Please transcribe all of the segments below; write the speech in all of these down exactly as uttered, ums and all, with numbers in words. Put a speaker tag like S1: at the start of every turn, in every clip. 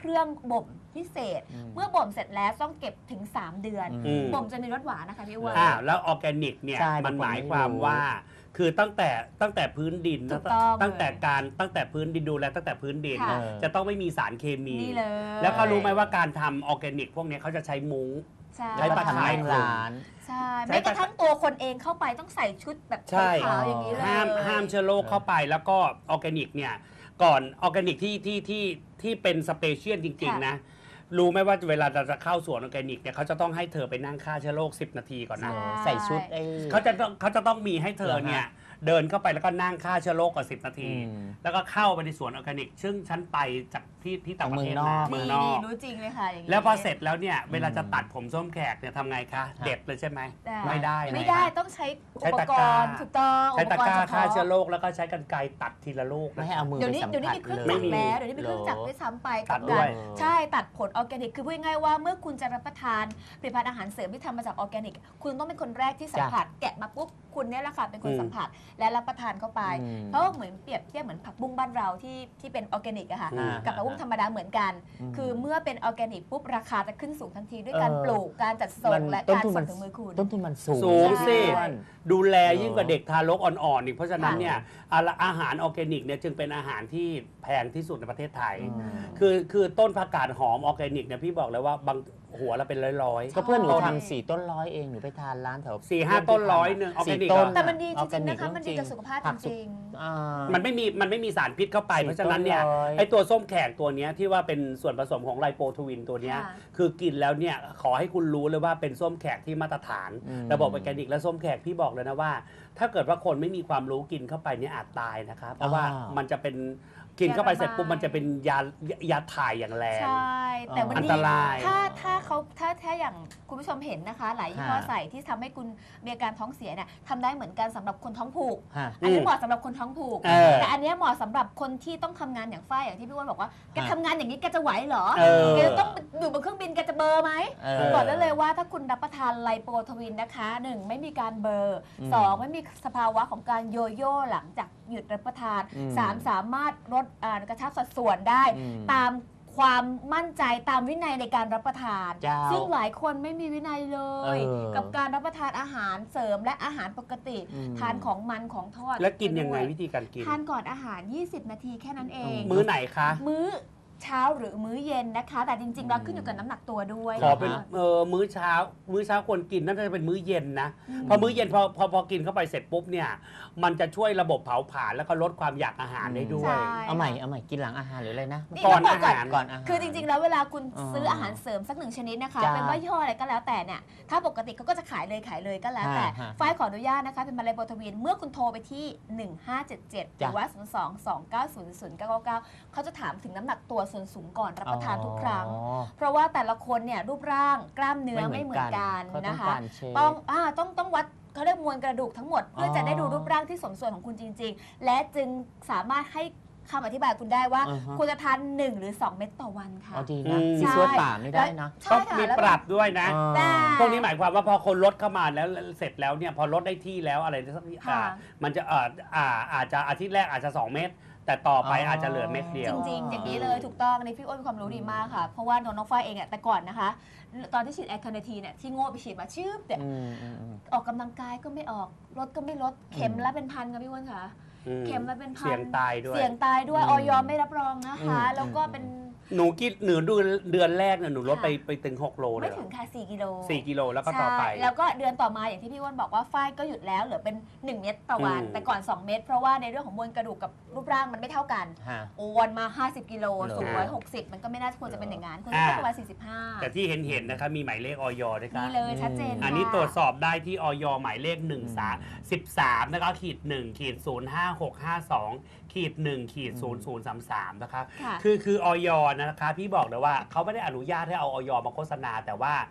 S1: รื่องบ่มพิเศษเมื่อบ่มเสร็จแล้วต้องเก็บถึงสามเดือนบ่มจะมีรสหวานนะคะพี่อ้วน
S2: อ่าแล้วออร์แกนิกเนี่ยมันหมายความว่าคือตั้งแต่ตั้งแต่พื้นดินตั้งแต่การตั้งแต่พื้นดินดูแลตั้งแต่พื้นดินจะต้องไม่มีสารเคมีแล้วก็รู้ไหมว่าการทำออร์แกนิกพวกนี้เขาจะใช้มุ้งใช้ตะไคร้ร้าน
S1: ใช่แม้กระทั่งตัวคนเองเข้าไปต้องใส่ชุดแบบขาวอย่างนี้เลย
S2: ห้ามห้ามเชื้อโรคเข้าไปแล้วก็ออร์แกนิกเนี่ยก่อนออร์แกนิกที่ที่ที่ที่เป็นสเปเชียลจริงๆนะรู้ไหมว่าเวลาเราจะเข้าสวนออร์แกนิกเนี่ยเขาจะต้องให้เธอไปนั่งฆ่าเชื้อโรคสิบนาทีก่อนนะ
S3: ใส่ชุด
S2: เขาจะต้องเขาจะต้องมีให้เธอเนี่ยเดินเข้าไปแล้วก็นั่งฆ่าเชื้อโรคก่อนสิบนาทีแล้วก็เข้าไปในสวนออร์แกนิกซึ่งฉันไปจากที่ที่ต่างประเทศมา
S1: เมืองนอกรู้จริงเลยค่ะอย่างนี้
S2: แล้วพอเสร็จแล้วเนี่ยเวลาจะตัดผมส้มแขกเนี่ยทำไงคะเด็ดเลยใช่ไหมไม่ได้
S1: ไม่ได้ต้องใช้อุปกรณ์ถูกต้อง
S2: ใช้ตะกร้าฆ่าเชื้อโรคแล้วก็ใช้กรรไกรตัดทีละลูก
S3: ไม่ให้เอามือ
S1: เดี๋ยวนี้เดี๋ยวนี้มีเครื่องจักรแล้วเดี๋ยวนี้มีเครื่องจักรด้วยซ้ำไปกับการใช่ตัดผลออร์แกนิกคือพูดง่ายๆว่าเมื่อคุณจะรับประทานผลิตภัณฑ์อาหารเสริมที่ทำมาจากออร์แกนิกคุณต้องเป็นคนแรกที่สัมผัสแกะมาปุ๊บคุณเนี่ยแหละค่ะเป็นคนสัมผัสและรับประทานเข้าไปเพราะเหมือนเปรียบเทียบเหมือนผักบุ้งบ้านเราที่ที่เป็นออร์แกนิกอะค่ะกับผักบุ้งธรรมดาเหมือนกันคือเมื่อเป็นออร์แกนิกปุ๊บราคาจะขึ้นสูงทันทีด้วยการปลูกการจัดส่งและการส่งถึงมือคุณ
S3: ต้นทุนมันสูง
S2: สูงสิดูแลยิ่งกว่าเด็กทารกอ่อนๆอีกเพราะฉะนั้นเนี่ยอาหารออร์แกนิกเนี่ยจึงเป็นอาหารที่แพงที่สุดในประเทศไทยคือคือต้นผักกาดหอมออร์แกนิกเนี่ยพี่บอกเลยว่าบางหัวเราเป็นร้อย
S3: ๆก็เพื่อนหนูทำสี่ต้นร้อยเองหนูไปทานร้านแถว
S2: สี่ห้าต้นร้อยหนึ่งออร์แกนิก
S1: แต่มันดีจริงๆนะคะมันดีกับสุขภาพจริง
S2: ๆมันไม่มีมันไม่มีสารพิษเข้าไปเพราะฉะนั้นเนี่ยไอตัวส้มแขกตัวนี้ที่ว่าเป็นส่วนผสมของไลโปทวินตัวนี้คือกินแล้วเนี่ยขอให้คุณรู้เลยว่าเป็นส้มแขกที่มาตรฐานระบบออร์แกนิกและส้มแขกพี่บอกเลยนะว่าถ้าเกิดว่าคนไม่มีความรู้กินเข้าไปเนี่ยอาจตายนะคะเพราะว่ามันจะเป็นกินเข้าไปเสร็จปุ๊บมันจะเป็นยายาถ่ายอย่างแรง
S1: ใช่แต่วันนี้ถ้าถ้าเขาถ้าถ้าอย่างคุณผู้ชมเห็นนะคะหลายยี่ห้อใส่ที่ทำให้คุณมีอาการท้องเสียเนี่ยทำได้เหมือนกันสำหรับคนท้องผูกอันนี้เหมาะสำหรับคนท้องผูกแต่อันนี้เหมาะสำหรับคนที่ต้องทำงานอย่างฝ้ายอย่างที่พี่อ้วนบอกว่าแกทำงานอย่างนี้แกจะไหวเหรอแกจะต้องอยู่บนเครื่องบินแกจะเบอร์ไหมบอกได้เลยว่าถ้าคุณรับประทานไลโปทวินนะคะหนึ่งไม่มีการเบอร์สองไม่มีสภาวะของการโยโย่หลังจากหยุดรับประทานสามสามารถลดกระชับสัดส่วนได้ตามความมั่นใจตามวินัยในการรับประทานซึ่งหลายคนไม่มีวินัยเลยกับการรับประทานอาหารเสริมและอาหารปกติทานของมันของทอด
S2: แล้วกินยังไงวิธีการกิน
S1: ทานก่อนอาหารยี่สิบนาทีแค่นั้นเอง
S2: มื้อไหนคะ
S1: มื้อเช้าหรือมื้อเย็นนะคะแต่จริงๆเราขึ้นอยู่กับน้ำหนักตัวด้วย
S2: ขอเป็นเออมื้อเช้ามื้อเช้าควรกินน่าจะเป็นมื้อเย็นนะพอมื้อเย็นพอพอพอกินเข้าไปเสร็จปุ๊บเนี่ยมันจะช่วยระบบเผาผลาญแล้วก็ลดความอยากอาหารได้ด้วย
S3: เอาใหม่เอาใหม่กินหลังอาหารหรืออะไรนะ
S1: ก่อนอาหารก่อนอาหารคือจริงๆแล้วเวลาคุณซื้ออาหารเสริมสักหนึ่งชนิดนะคะเป็นว่ายี่ห้ออะไรก็แล้วแต่เนี่ยถ้าปกติเขาก็จะขายเลยขายเลยก็แล้วแต่ฝ้ายขออนุญาตนะคะเป็นมาเลโบทวินเมื่อคุณโทรไปที่หนึ่งห้าเจ็ดเจ็ดหรือว่าศูนย์ สอง สอง เก้า ศูนย์ ศูนย์ เก้า เก้าเขาจะถามถึงน้ำหนักตัวส่วนสูงก่อนรับประทานทุกครั้งเพราะว่าแต่ละคนเนี่ยรูปร่างกล้ามเนื้อไม่เหมือนกันนะคะต้องอ่าต้องต้องวัดเขาเรียกมวลกระดูกทั้งหมดเพื่อจะได้ดูรูปร่างที่สมส่วนของคุณจริงๆและจึงสามารถให้คำอธิบายคุณได้ว่าคุณจะทานหนึ่งหรือสองเม็ดต่อวันค่ะ
S3: ดีนะมีส่วนป่าไม่ได้นะ
S2: ต้องมีปรับด้วยนะพวกนี้หมายความว่าพอคนลดเข้ามาแล้วเสร็จแล้วเนี่ยพอลดได้ที่แล้วอะไรสักอย่างมันจะอ่าอาจจะอาทิตย์แรกอาจจะสองเม็ดแต่ต่อไปอาจจะเหลือเม็ดเดียว
S1: จริงๆอย่างนี้เลยถูกต้องในพี่อ้นมีความรู้ดีมากค่ะเพราะว่าน้องฝ้ายเองอ่ะแต่ก่อนนะคะตอนที่ฉีดแอคาเนทีเนี่ยที่โง่ไปฉีดมาชืบเนี่ยออกกำลังกายก็ไม่ออกลดก็ไม่ลดเข็มละเป็นพันค่ะพี่อ้นค่ะเข็มละเป็นพัน
S2: เสี่ยงตายด้วย
S1: เสี่ยงตายด้วยออยไม่รับรองนะคะแล้วก็เป็น
S2: หนูกินหนูเดือนเดือนแรกเนี่ยหนูลดไปไปถึงหกโลเลย
S1: ไม่ถึงค่ะสี่กิโล
S2: สี่กิโลแล้วก็ต่อไป
S1: แล้วก็เดือนต่อมาอย่างที่พี่อ้วนบอกว่าฝ้ายก็หยุดแล้วเหลือเป็นหนึ่งเม็ดต่อวันแต่ก่อนสองเม็ดเพราะว่าในเรื่องของมวลกระดูกกับรูปร่างมันไม่เท่ากันอ้วนมาห้าสิบกิโลสูงหนึ่งร้อยหกสิบมันก็ไม่น่าควรจะเป็นอย่างนั้นควรจะประมาณสี่สิบห้า
S2: แต่ที่เห็นเห็นนะคะมีหมายเลขออยด้วยครับ
S1: นี่เลยชัดเจน
S2: อันนี้ตรวจสอบได้ที่ออยหมายเลขหนึ่งสามสิบสามนะคะขีดหนึ่งขีดศูนย์ห้าหกห้าสองขีดหนึ่งขีดศูนย์ศูนย์สามสามนะคะคือคือออยนะคะพี่บอกเลยว่าเขาไม่ได้อนุญาตให้เอาออยมาโฆษณาแต่ว่า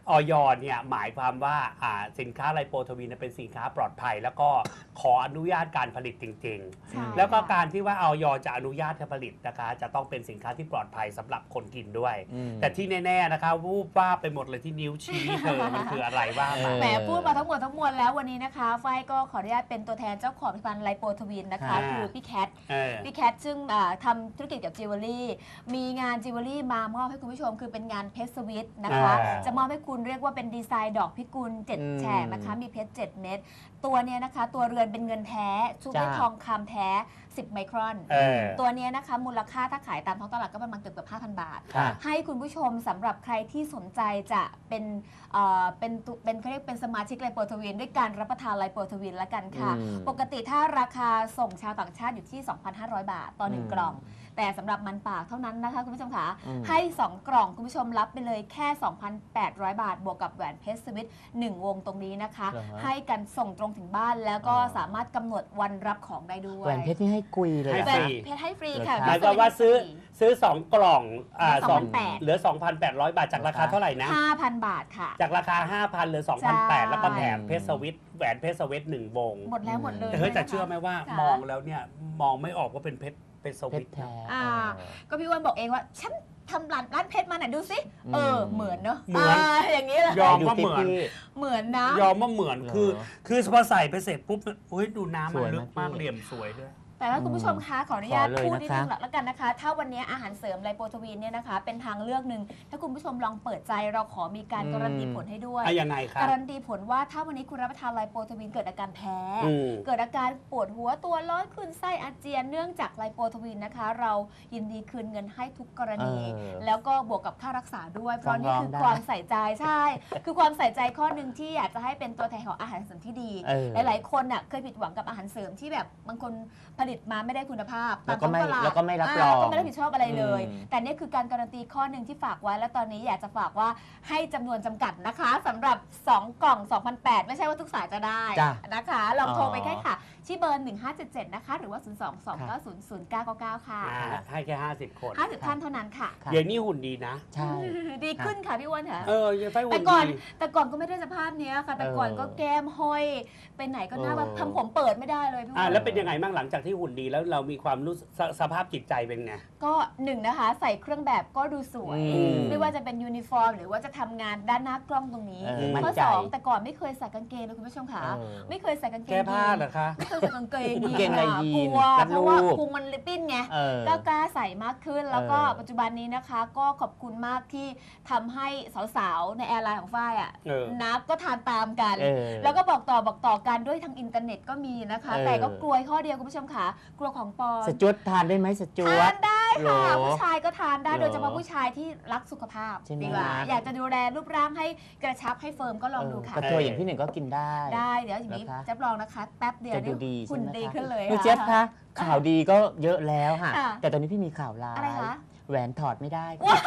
S2: ออยเนี่ยหมายความว่าอ่าสินค้าไลโปทวินเป็นสินค้าปลอดภัย แล้วก็ขออนุญาตการผลิตจริง
S1: ใช่
S2: ๆ แล้วก็
S1: ค่ะ
S2: การที่ว่าออยจะอนุญาตให้ผลิตนะคะจะต้องเป็นสินค้าที่ปลอดภัยสำหรับคนกินด้วย
S3: อืม
S2: แต่ที่แน่ๆนะคะวูบว่าบไปหมดเลยที่นิ้วชี้เธอมันคืออะไรว่ามา
S1: แหมพูดมาทั้งหมดทั้งมวลแล้ววันนี้นะคะฝ้ายก็ขออนุญาตเป็นตัวแทนเจ้าของผลิตภัณฑ์ไลโปทวินนะคะ
S2: อ่า
S1: คือพี่แคท
S2: เออ
S1: พี่แคทซึ่งอ่าทำธุรกิจกับจิวเวลรี่มีงานจิวเวลรี่มามอบให้คุณผู้ชมคือเป็นงานเพชรสวิตนะคะ
S2: อ่า
S1: จะมอบให้คุณเรียกว่าเป็นดีไซน์ดอกพิกุลเจ็ด
S3: อืม
S1: แฉกนะคะมีเพชรเจ็ดเม็ดตัวเนี้ยนะคะตัวเรือนเป็นเงินแท้ชุบด้วย
S3: จ้า
S1: ทองคำแท้สิบไมครอน
S2: เออ
S1: ตัวเนี้ยนะคะมูลค่าถ้าขายตามท้องตลาดก็ประมาณเกือบเกือบห้าพันบาท
S3: ค่ะ
S1: ให้คุณผู้ชมสำหรับใครที่สนใจจะเป็นเอ่อเป็นตุเป็นเขาเรียกเป็นสมาชิกไลโปทวินด้วยการรับประทานไลโปทวินละกันค่ะ
S3: อืม
S1: ปกติถ้าราคาส่งชาวต่างชาติอยู่ที่ สองพันห้าร้อย บาท ต่อหนึ่ง
S3: อืม
S1: กล่อง แต่สำหรับมันปากเท่านั้นนะคะคุณผู้ชมคะ
S3: อืม
S1: ให้ สอง กล่องคุณผู้ชมรับไปเลยแค่ สองพันแปดร้อย บาท บวกกับแหวนเพชรสวิตหนึ่งวงตรงนี้นะคะ
S3: เหรอฮะ
S1: ให้กันส่งตรงถึงบ้านแล้วก็
S3: อ๋อ
S1: สามารถกำหนดวันรับของได้ด้วย
S3: แหวนเพชรนี่ให้กุยเลย
S2: ให้
S3: เหรอ
S1: แหวน
S3: คะ
S1: เพชรให้ฟรีค่ะ
S3: เหรอ
S2: หมายความว่าซื้อซื้อ สอง กล่องอ่า
S1: เหลือ
S2: สอง
S1: สองพันแปด
S2: เหลือ สองพันแปดร้อย บาทจากราคาเท่าไหร่นะ
S1: ห้าพัน บาทค่ะ
S2: จากราคา ห้าพันเหลือ
S1: ใช่
S2: สองพันแปดร้อย แล้วก็แถมเพชรสวิตแหวนเพชรสวิตหนึ่งวง
S1: หมดแล้วหมดเลย
S2: แต่เฮ้ยแต่
S1: นะคะ
S2: เชื่อไหมว่า
S1: ค่ะ
S2: มองแล้วเนี่ยมองไม่ออกว่าเป็นเพชรเป็นส
S3: เพ
S2: วิ
S3: ช
S2: ต
S3: รแท้
S1: อ่า
S3: เออ
S1: ก็พี่อ้วนบอกเองว่า ฉันทำร้านร้านเพชรมาไหนดูสิ
S3: อืม
S1: เออ เหมือนเนอะ
S2: เหมือน
S1: าอย่างนี้เลย
S2: ยอม
S3: ดู
S2: ว่า
S3: สิ
S2: เหมือน
S3: พี่
S1: เหมือนนะ
S2: ยอมว่าเหมือน
S3: เหรอ
S2: คือ คือพอใส่ไปเสร็จปุ๊บเฮ้ยดูน้ำ
S3: ส
S2: มัน
S3: วย
S2: ลึกมาก
S3: มากพี่
S2: เหลี่ยมสวยด้วย
S1: แต่ว่าคุณผู้ชมคะขออนุญาต
S3: ขอเลย
S1: พูดนิดนึง
S3: นะคะ
S1: แล้วกันนะคะ ถ้าวันนี้อาหารเสริมไลโปทวินเนี่ยนะคะ เป็นทางเลือกหนึ่งถ้าคุณผู้ชมลองเปิดใจเราขอมีการการันตีผลให้ด้วย
S2: อะยังไงครับ
S1: การันตีผลว่าถ้าวันนี้คุณรับประทานไลโปทวินเกิดอาการแพ้
S2: อืม
S1: เกิดอาการปวดหัวตัวร้อนขึ้นไส้อาเจียนเนื่องจากไลโปทวินนะคะ เรายินดีคืนเงินให้ทุกกรณี
S3: เออ
S1: แล้วก็บวกกับค่ารักษาด้วย เพราะนี่คือ
S3: ฟ้องร้องได้
S1: ความใส่ใจใช่ คือความใส่ใจข้อหนึ่งที่อยากจะให้เป็นตัวแทนของอาหารเสริมที่ดี
S3: เออ
S1: หลายๆคนน่ะเคยผิดหวังกับอาหารเสริมที่แบบบางคนผลิตมาไม่ได้คุณภาพ
S3: แล้วก็ไม่
S1: ตาท้องตาด
S3: แล้วก็ไม่รับรอง
S1: าแล้วก็ไม่รับผิดชอบอะไรเลย
S3: อืม
S1: แต่นี่คือการการันตีข้อหนึ่งที่ฝากไว้ และตอนนี้อยากจะฝากว่าให้จำนวนจำกัดนะคะสำหรับ สอง กล่อง สองพันแปดร้อย ไม่ใช่ว่าทุกสายจะได้
S3: จ้ะ
S1: นะคะ ลองโทรไป
S3: อ๋อ
S1: แค่ค่ะ ที่เบอร์ หนึ่งห้าเจ็ดเจ็ด นะคะ หรือว่า ศูนย์ สอง สอง เก้า ศูนย์ ศูนย์ เก้า เก้า เก้า ค่ะ
S2: อ่าให้แค่ห้าสิบคน
S1: ห้าสิบท่านเท่านั้นค่ะ
S3: ค่ะ
S2: เดี๋ยวนี้หุ่นดีนะ
S3: ใช่
S1: ดีขึ้นค่ะพี่อ้วนค่ะ
S2: เออยังไฟหุ่
S1: แต่
S2: น
S1: ก่อน
S2: ดี
S1: แต่ก่อนก็ไม่ได้สภาพเนี้ยค่ะ แต่ก่อน
S3: เออ
S1: ก็แก้มห้อยไปไหนก็หน้าแบบ
S3: เออ
S1: ทำผมเปิดไม่ได้เลยพี่
S2: อ่า
S1: อ้วน
S2: แล้วเป็นยังไงบ้างหลังจากที่หุ่นดีแล้วเรามีความรู้สึกสสภาพจิตใจเป็นไง
S1: ก็หนึ่งนะคะ ใส่เครื่องแบบก็ดูสวย
S3: อืม
S1: ไม่ว่าจะเป็นยูนิฟอร์ม หรือว่าจะทำงานด้านหน้ากล้องตรงนี้
S3: เออมั่น
S1: ข้อ
S3: ใจ
S1: สองแต่ก่อนไม่เคยใส่กางเกงเลยคุณผู้ชมค่ะ
S3: เออ
S1: ไม่เคยใส่กางเกง
S2: แก้ผ้า
S1: ยีน
S2: เหรอคะ
S1: ไม่เคยใส่กางเกงยีน
S3: กางเกงใน
S1: ค่ะ
S3: ยีน
S1: กลัว
S3: รัด
S1: เพราะว่า
S3: รูป
S1: พุงมันลิปปิ้นไง
S3: เออ
S1: ก็กล้าใส่มากขึ้น แล้วก็
S3: เออ
S1: ปัจจุบันนี้นะคะ ก็ขอบคุณมากที่ทำให้สาวๆ ในแอร์ไลน์ของฝ้ายอ่ะ
S2: เออ
S1: นับก็ทานตามกัน
S3: เออ
S1: แล้วก็บอกต่อบอกต่อกันด้วยทางอินเทอร์เน็ตก็มีนะคะ
S3: เออ
S1: แต่ก็กลัวข้อเดียวคุณผู้ชมค่ะ กลัวของปลอม
S3: สจวตทานได้ไหมสจว
S1: ทา
S3: ต
S1: นได้ค่ะ
S3: เหรอ
S1: ผู้ชายก็ทานได้
S3: เหรอ
S1: โดยเฉพาะผู้ชายที่รักสุขภาพ
S3: ใช่ไหม
S1: ดีกว่าอยากจะดูแลรูปร่างให้กระชับให้เฟิร์มก็ลองดูค่ะ
S3: กระตัวอย่างพี่หนึ่งก็กินได้
S1: ได้เดี๋ยวอย่างนี้
S3: นะคะ
S1: จะลองนะคะ แป๊บเดียว
S3: จะดูดี
S1: หุ่
S3: ใช่
S1: น
S3: ไหม
S1: ดี
S3: คะ
S1: ขึ้นเลย
S3: คุณ
S1: ค่ะ
S3: เจี๊ยบคะข่าวดีก็เยอะแล้วค่ะ
S1: ค่ะ
S3: แต่ตอนนี้พี่มีข่าวร้าย
S1: อะไรคะ
S3: แหวนถอดไม่ได้ค่ะ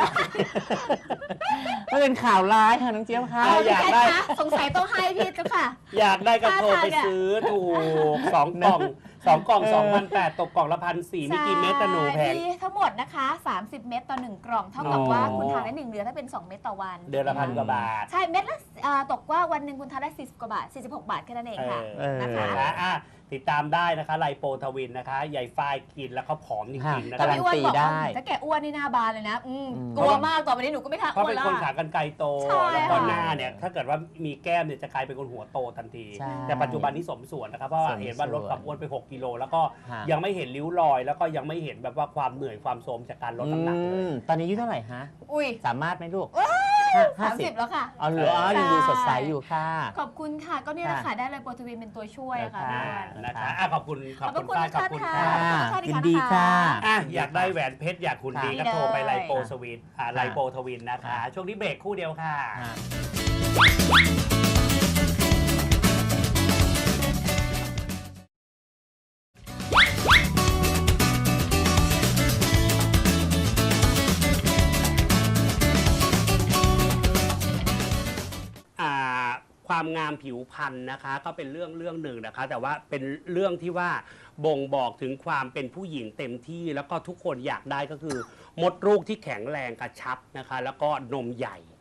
S3: มันเป็นข่าวร้ายค่ะน้องเจี๊ยบค่ะ
S2: อ่ะอยากได้
S1: พี่แคทคะสงสัยต้องให้พี่เจ้าค่ะ
S2: อยากได้ก็โทรไป
S1: ท่าทางอะ
S2: ซื้อถูกสองกล่องสองกล่อง
S3: เออ
S2: สองพันแปดตกกล่องละพันสี่มีกี่เม็ดตะหนูแพง
S1: มีทั้งหมดนะคะ สามสิบ เม็ดต่อหนึ่งกล่อง เท่ากับ
S2: อ๋อ
S1: ว่าคุณทานได้หนึ่งเดือนถ้าเป็น สอง เม็ดต่อวัน
S2: เดือนละพันกว่าบาท
S1: ใช่ เม็ดละอ่าตกว่าวันหนึ่งคุณทานได้สี่สิบกว่าบาทสี่สิบหกบาทแค่นั้นเองค่ะ
S2: เออ
S1: นะคะ
S2: นะคะอ่ะติดตามได้นะคะไลโปทวินนะคะใหญ่ฝ้ายกินแล้วเขาผอมจริงๆนะ
S3: กา
S2: คะ
S3: รันตีได้
S1: ถ้าแกอ้วนนี่หน้าบานเลยนะอืม
S3: อืม
S1: กลัวมากต่อไปนี้หนูก็ไม่ทาน
S2: เพราะ
S1: อ้ว
S2: เป็น น
S1: ละ
S2: คนขากันไกลโต
S1: ใช่
S2: แล้วก็
S1: ค่ะ
S2: หน้าเนี่ยถ้าเกิดว่ามีแก้มเนี่ยจะกลายเป็นคนหัวโตทันที
S3: ใช่
S2: แต่ปัจจุบันนี้สมส่วนนะครับเพราะว่า
S3: สมส่วน
S2: เห็นว่าลดความอ้วนไปหกกิโลแล้วก็
S3: ฮะ
S2: ยังไม่เห็นริ้วรอย แล้วก็ยังไม่เห็นแบบว่าความเหนื่อยความโทรมจากการลดน้ำหนักเล
S3: อื
S2: ย
S3: มตอนนี้อายุเท่าไหร่ฮะ
S1: อุ้ย
S3: สามารถไหมลูก
S1: สามสิบแล้วค่ะ
S3: เอาเหรออ๋อยังดูสดใสอยู่ค่ะ
S1: ขอบคุณค่ะ ก็เนี่ยแหละค่ะได้เลยโปรตีนเป็นตัวช่วยอะค่ะพี่
S2: อ่า
S1: อ้วน
S2: นะคะอ่ะขอบคุณขอบคุณ
S1: ขอบคุณ
S2: ฝ้ายขอบคุณ
S1: ค่ะ
S2: ค่ะ
S1: ขอบคุณ
S3: ยิน
S1: ค่ะ
S3: ดีค่ะ
S2: อ่ะอยากได้แหวนเพชรอยากคุณดี
S1: ค่ะ
S2: ก็โทรไป
S1: นี่เลย
S2: ไลโปสวินอ่าไลโปทวินนะคะ
S3: ค่ะ
S2: ช่วงนี้เบรกคู่เดียวค่ะ
S3: อ่า
S2: อ่าความงามผิวพรรณนะคะก็เป็นเรื่องเรื่องหนึ่งนะคะ แต่ว่าเป็นเรื่องที่ว่าบ่งบอกถึงความเป็นผู้หญิงเต็มที่ แล้วก็ทุกคนอยากได้ก็คือ มดลูกที่แข็งแรงกระชับนะคะ แล้วก็นมใหญ่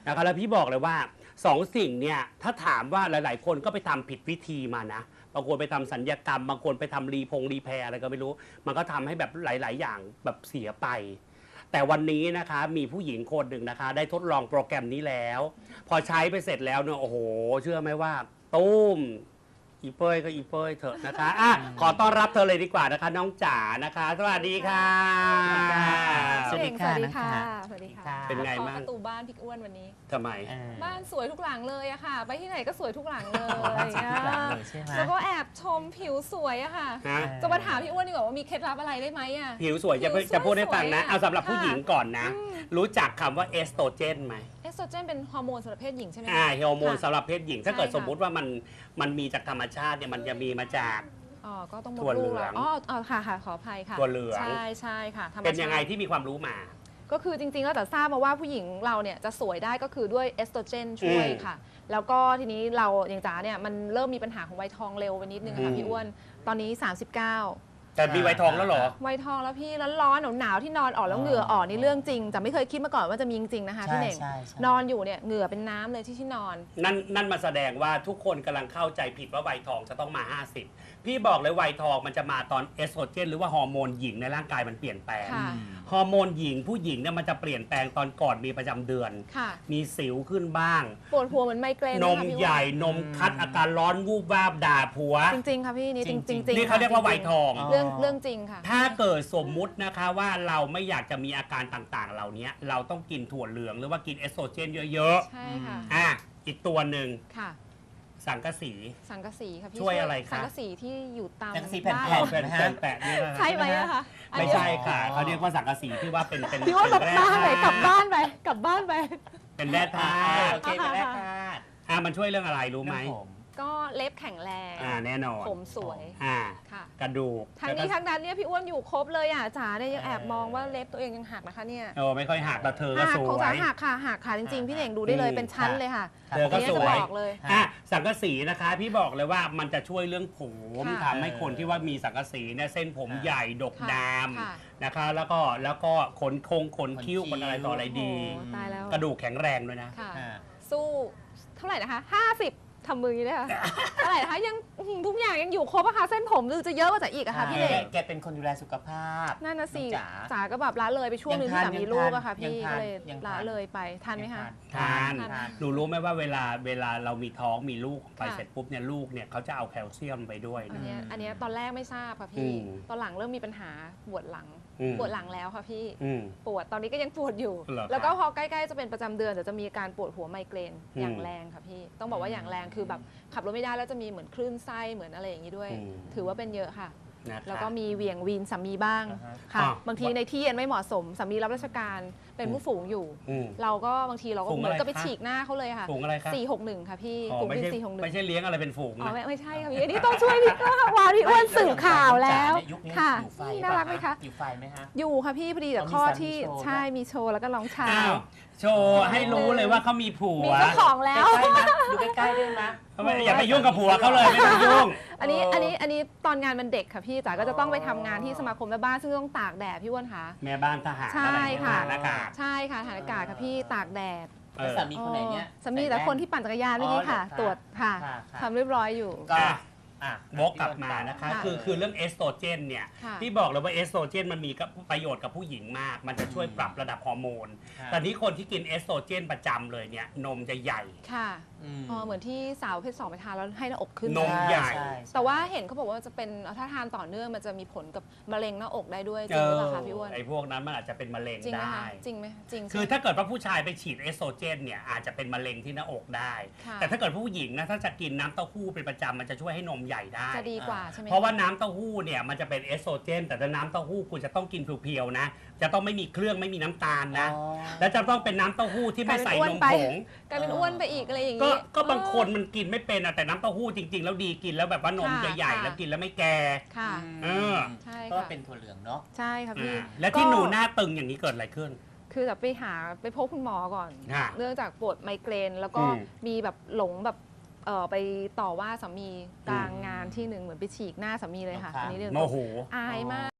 S2: นะครับแล้วพี่บอกเลยว่าสองสิ่งเนี่ยถ้าถามว่าหลายๆ คนก็ไปทำผิดวิธีมานะบางคนไปทำสัญญกรรมบางคนไปทำรีพงรีแพร์อะไรก็ไม่รู้มันก็ทำให้แบบหลาย ๆ อย่างแบบเสียไป แต่วันนี้นะคะมีผู้หญิงคนหนึ่งนะคะได้ทดลองโปรแกรมนี้แล้ว พอใช้ไปเสร็จแล้วเนี่ยโอ้โหเชื่อไหมว่าตุ้มอีเป้ยก็อีเป้ยเถอะนะคะอ่ะขอต้อนรับเธอเลยดีกว่านะคะน้องจ๋านะคะสวัสดีค่ะ
S3: สวัสดีค่ะ
S4: สวัสดีค่ะ
S3: น้องจ๋า
S4: สวัสดีค่ะ
S2: เป็นไง
S4: ขอ
S2: บ้าง
S4: ประตูบ้านพี่อ้วนวันนี้
S2: ทำไม
S3: เออ
S4: บ้านสวยทุกหลังเลยอะค่ะ ไปที่ไหนก็สวยทุกหลังเลย
S3: บ้านสวยทุกหลังเลยใช่ไหม
S4: แล้วก็แอบชมผิวสวยอะค่ะ
S2: ฮะ
S4: จะมาถามพี่อ้วนดีกว่าว่ามีเคล็ดลับอะไรได้ไหมอะ
S2: ผิวสวยจะ
S4: ผิวสวย
S2: จะพูดให้ฟังนะ
S4: สวยอะ
S2: เอาสำหรับผู้หญิงก่อนนะ
S4: อืม
S2: รู้จักคำว่าเอสโตรเจนไหม
S4: เอสโตรเจนเป็นฮอร์โมนสำหรับเพศหญิงใช่ไหมคะ
S2: อ่าฮอร์โมน
S4: ค่ะ
S2: สำหรับเพศหญิง ถ้าเกิด
S4: ใช่ค่ะ
S2: สมมุติว่ามันมันมีจากธรรมชาติเนี่ยมันจะมีมาจาก
S4: อ๋อก็ต้องมด
S2: ถั่วเหลื
S4: ลูก
S2: อง
S4: แล้วอ๋ออ๋อค่ะค่ะขออภัยค่ะ
S2: ถั่วเหลือง
S4: ใช่ใช่ค่ะธรรมชาติ
S2: เป็นยังไงที่มีความรู้มา
S4: ก็คือจริงๆแล้วแต่ทราบมาว่าผู้หญิงเราเนี่ยจะสวยได้ก็คือด้วยเอสโตรเจนช่วย
S2: อืม
S4: ค่ะ แล้วก็ทีนี้เราอย่างจ๋าเนี่ยมันเริ่มมีปัญหาของวัยทองเร็วไปนิดนึง
S2: อื
S4: ค่ะ
S2: ม
S4: พี่อ้วน ตอนนี้ สามสิบเก้า
S2: แต่มีไวทองแล้วเหรอ
S4: วัยทองแล้วพี่แล้วร้อนหนาวๆที่นอนออกแล้วเหงื่อออกนี่เรื่องจริงแต่ไม่เคยคิดมาก่อนว่าจะมีจริงๆนะคะพี่
S3: ใช่
S4: เน่ง
S3: ใช่ใช่
S4: นอนอยู่เนี่ยเหงื่อเป็นน้ำเลยที่ที่นอน
S2: นั่นนั่นมาแสดงว่าทุกคนกำลังเข้าใจผิดว่าไวทองจะต้องมา ห้าสิบ พี่บอกเลยไวทองมันจะมาตอนเอสโตรเจนหรือว่าฮอร์โมนหญิงในร่างกายมันเปลี่ยนแปลง
S4: ค่ะ
S2: ฮอร์โมนหญิงผู้หญิงเนี่ยมันจะเปลี่ยนแปลงตอนก่อนมีประจำเดือน
S4: ค่ะ
S2: มีสิวขึ้นบ้าง
S4: ปวดหัวเหมือนไมเกรน
S2: น
S4: เลย
S2: ม
S4: ค่ะพี่อ้วน
S2: ใหญ่นมคัดอาการร้อนวูบวาบด่าผัว
S4: จริงๆค่ะพี่นี่จริงๆจริงๆ
S2: นี่เขาเรียกว่าไวทอง
S4: เรื่องเรื่องจริงค่ะ
S2: ถ้าเกิดสมมุตินะคะว่าเราไม่อยากจะมีอาการต่างๆ เหล่านี้เราต้องกินถั่วเหลืองหรือว่ากินเอสโตรเจนเยอะ
S4: ใช่ค่ะ
S2: ๆอ่ะอีกตัวหนึ่ง
S4: ค่ะ
S2: สังกะสี
S4: สังกะสีค่ะพี่
S2: ช่วยอะไรคะ
S4: สังกะสีที่อยู่ตาม
S3: สังกะสีแผ่นๆ
S4: บ้า
S2: แผ่น
S3: นะฮะ
S2: แปะๆนี่นะ
S4: ใช่ไหมอะคะอัน
S2: ไม่
S4: เดียว
S2: ใช่ค่ะเขาเรียกว่าสังกะสีที่ว่าเป็นเป็น
S4: พี่ว่าแบบ
S2: เป็น
S4: บ้านไหน
S2: แร่
S4: กลับบ้านไปกลับบ้านไป
S2: เป็นแร่ธา
S3: อ่า
S2: ตุ
S3: โอเคไปแล้วค่ะ
S2: อ่ะมันช่วยเรื่องอะไรรู้ไหม
S3: เรื่องผม
S4: ก็เล็บแข็งแรง
S2: อ่าแน่นอน
S4: ผมสวย
S2: อ่า
S4: ค่ะ
S2: กระดูก
S4: ทั้งนี้ทั้งนั้นเนี่ยพี่อ้วนอยู่ครบเลยอ่ะจ๋าเนี่ยยังแอบมองว่าเล็บตัวเองยังหักนะคะเนี่ย
S2: โอ้ไม่ค่อยหักแต่เธอก็
S4: หัก
S2: ส
S4: ของ
S2: ว
S4: จ๋าย หักค่ะหักค่ะจริงๆ พี่เน่งดูได้เลย
S2: อืม
S4: เป็นชั้นเลยค่ะ
S2: เธอก็
S4: เนี่ย
S2: ส
S4: จะ
S2: วย
S4: บอกเลย
S2: อ่ะสังกะสีนะคะ พี่บอกเลยว่ามันจะช่วยเรื่องผม
S4: ค่ะ
S2: ทำให้คนที่ว่ามีสังกะสีเนี่ยเส้นผมใหญ่ดก
S4: ค่ะ
S2: ดาม
S4: ค่ะ
S2: นะคะ แล้วก็แล้วก็ขนคงขนคิ้ว
S3: ขนคิ้ว
S2: ขนอะไรต่ออะไรดี
S4: โอ้ตายแล้ว
S2: กระดูกแข็งแรงด้วยนะ
S4: ค่ะ
S3: อ่า
S4: สู้เท่าไหร่นะคะห้าสิบทำมืออย่างนี้เลยค่ะ เท่าไหร่นะคะยังอื้อหือทุกอย่างยังอยู่ครบอะค่ะเส้นผมดูจะเยอะกว่าจ๋าอีกอะค่ะพี่เน่ง
S3: แกแกเป็นคนดูแลสุขภาพ
S4: นั่นนะสิ
S3: น้องจ๋า
S4: จ๋าก็แบบละเลยไปช่วงหนึงที่สามีลูกอะค่ะ
S3: ยั
S4: พี่
S3: งทาน
S4: ก็เลย
S3: ยัง
S4: ละ
S3: ทาน
S4: เลยไปทันไหมคะ
S2: ทาน
S4: ทาน
S2: หนูรู้ไหมว่าเวลาเวลาเรามีท้องมีลูกไป
S4: ค่ะ
S2: เสร็จปุ๊บเนี่ยลูกเนี่ยเขาจะเอาแคลเซียมไปด้วย
S4: อัน
S2: นะ
S4: เนี้ยอันเนี้ยตอนแรกไม่ทราบค่ะ
S2: อื
S4: พี่
S2: ม
S4: ตอนหลังเริ่มมีปัญหาปวดหลัง
S2: อืม
S4: ปวดหลังแล้วค่ะพี่
S2: อืม
S4: ปวดตอนนี้ก็ยังปวดอยู่
S2: เหรอครับ
S4: แล้วก็พอใกล้ๆจะเป็นประจำเดือนเดี๋ยวจะมีอาการปวดหัวไมเกรน
S2: อืม
S4: อย่างแรงค่ะพี่ ต้องบอกว่าอย่างแรงคือแบบขับรถไม่ได้แล้วจะมีเหมือนคลื่นไส้เหมือนอะไรอย่างนี้ด้วย
S2: อืม
S4: ถือว่าเป็นเยอะค่ะ
S2: นะคะ
S4: แล้วก็มีเหวี่ยงวีนสามีบ้าง
S3: อ่าฮะ
S4: ค่ะ
S2: อ่า
S4: บางทีในที่เย็นไม่เหมาะสมสามีรับราชการเป็นผู้ฝูงอยู่
S2: อืม
S4: เราก็บางทีเราก็
S2: ฝูง
S4: เหมือน
S2: อะไร
S4: กับไป
S2: คะ
S4: ฉีกหน้าเขาเลยค่ะ
S2: ฝูงอะไรคะ
S4: สี่หกหนึ่งค่ะพี่
S2: อ๋อก
S4: ลุ่ม
S2: ไม่
S4: บิน
S2: ใช่
S4: สี่หกหนึ่ง
S2: ไม่ใช่เลี้ยงอะไรเป็นฝูง
S4: อ๋อ
S2: นะ
S4: ไม่ไม่ใช่ค่ะพี่อันนี้ต้องช่วยพี่ก็วานพี่อ้วนสื่อข่าวแล้ว
S3: ยุคนี้
S4: ค่ะ
S3: อยู่ไฟ
S4: น่ารักไหมคะ
S3: อยู่ไฟไหมฮะ
S4: อยู่ค่ะพี่พอดีแต่
S3: อ๋อมี
S4: ข้อ
S3: สามี
S4: ที่
S3: โชว์
S4: ใช่มีโชว์แล้วก็ร้องชา
S2: อ้าว โชว์ให้รู้เลยว่าเขามีผัว
S4: มีเจ้าของแล้ว
S3: ใกล้ๆนะอยู่ใกล้ๆด้วยนะ
S2: ไม่อย่าไปยุ่งกับผัวเขาเลยไม่ต้องยุ่ง
S4: อันนี้
S3: เอออั
S4: อันนี้อันนี้ตอนงานมันเด็กค่ะพี่จ๋าก็จะต้องไปทำงานที่สมาคมแม่บ้านซึ่งต้องตากแดดพี่อ้วนคะ
S2: แม่บ้านทหาร
S4: ใช่
S2: อะไร
S4: ค่ะ
S2: ทหารอากาศ
S4: ใช่ค่ะฐานอากาศค่ะพี่ตากแดด
S2: เอ
S3: แล้ว
S2: อ
S3: สามีคนไหนเนี่ย
S4: อ๋อสามีแต่คนที่ปั่นจักรยานเมื่อกี้ค่ะ
S3: อ๋อเหรอคะ
S4: ตรวจค่ะ
S3: ค่ะค่ะ
S4: ทำเรียบร้อยอยู่
S3: ก็
S2: อ่ะ
S3: อ่ะ
S2: วกกลับมานะคะ
S4: ค่ะ
S2: คือคือเรื่องเอสโตรเจนเนี่ย
S4: ค่ะ
S2: ที่บอกเลยว่าเอสโตรเจนมันมีกับประโยชน์กับผู้หญิงมาก มันจะช่วยปรับระดับฮอร์โมน
S3: ค่ะ
S2: แต่นี้คนที่กินเอสโตรเจนประจำเลยเนี่ยนมจะใหญ่
S4: ค่ะ
S3: ม
S4: อ๋อเหมือนที่สาวเพศสองไปทานแล้วให้หน้าอกขึ้น
S2: นมใหญ่
S3: ช่
S4: แต่ว่าเห็นเขาบอกว่าจะเป็นถ้าทานต่อเนื่องมันจะมีผลกับมะเร็งหน้าอกได้ด้วยจริงหรือเปล่าคะพี่อ้วน
S2: ไอ้พวกนั้นมันอาจจะเป็นมะเร็ง
S4: จริงไหม
S2: ได้
S4: คะจริงไหมจริงใช่
S2: คือ
S4: ไหม
S2: ถ้าเกิดว่าผู้ชายไปฉีดเอสโตรเจนเนี่ยอาจจะเป็นมะเร็งที่หน้าอกได้
S4: ค่ะ
S2: แต่ถ้าเกิดผู้หญิงนะถ้าจะกินน้ำเต้าหู้เป็นประจำมันจะช่วยให้นมใหญ่ได้
S4: จะดีกว่าใช่ไหม
S2: เพราะว่าน้ำเต้าหู้เนี่ยมันจะเป็นเอสโตรเจนแต่ถ้าน้ำเต้าหู้คุณจะต้องกินเพียวๆนะ จะต้องไม่มีเครื่องไม่มีน้ำตาลนะ
S3: อ๋อ
S2: และจะต้องเป็นน้ำเต้าหู้ที่ไม่ใส่นมผง
S4: กลายเป็นอ้วนไปอีกอะไรอย่าง
S2: ก็
S4: นี้
S2: ก็บางคนมันกินไม่เป็นอะแต่น้ำเต้าหู้จริง ๆ แล้วดีกินแล้วแบบว่านม
S4: ค่ะ
S2: ใหญ่ๆ
S4: ค่ะ
S2: แล้วกินแล้วไม่แก่
S4: ค่ะ
S2: เออ
S4: ใช่
S3: ก็
S4: ค่ะ
S3: เป็นถั่วเหลืองเนาะ
S4: ใช่ค่ะพี่
S2: อ่าและที่หนูหน้าตึงอย่างนี้เกิดอะไรขึ้น
S4: คือแบบไปหาไปพบคุณหมอก่อน
S2: ค่ะ
S4: เนื่องจากปวดไมเกรน แล้วก็
S2: อืม
S4: มีแบบหลงแบบเออไปต่อว่าสามีกลางงานที่หนึ่งเหมือนไปฉีกหน้าสามีเลยค่ะ
S3: ค่ะ
S4: อันนี้เรื่อง
S2: โมโห
S4: อายมาก